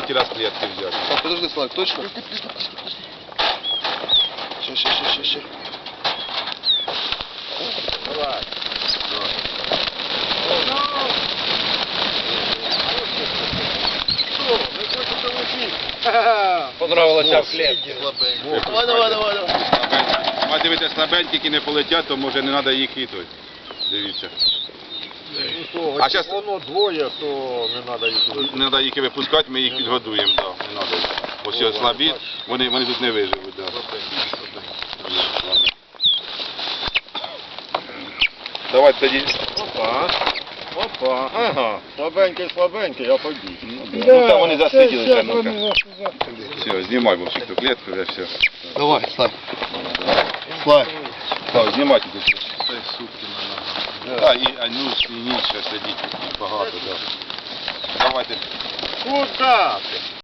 третій раз клітки взяти. Так, подожди, Славик, точно? Ще. Давай. Що, не хочете летіти? Понравилося в клітці. Давай. А дивіться, слабенькі, які не полетять, то може не треба їх і той. Дивіться. А щас- Воно двоє, то не треба їх летіти. Не треба їх і випускати, ми їх підгодуємо. Да, не треба. Ось ось слабі, вони тут не виживуть. Да. Давайте тоді. Опа, ага, слабенький, а побіг. Ну там вони засиділися. Все, знімай вовсю ту клітку, вже все. Давай, Славик. Так, знімайте тут все. Це сутки на ногах. Так, і ніч ще сидіть багато, так. Давайте. Куда ти?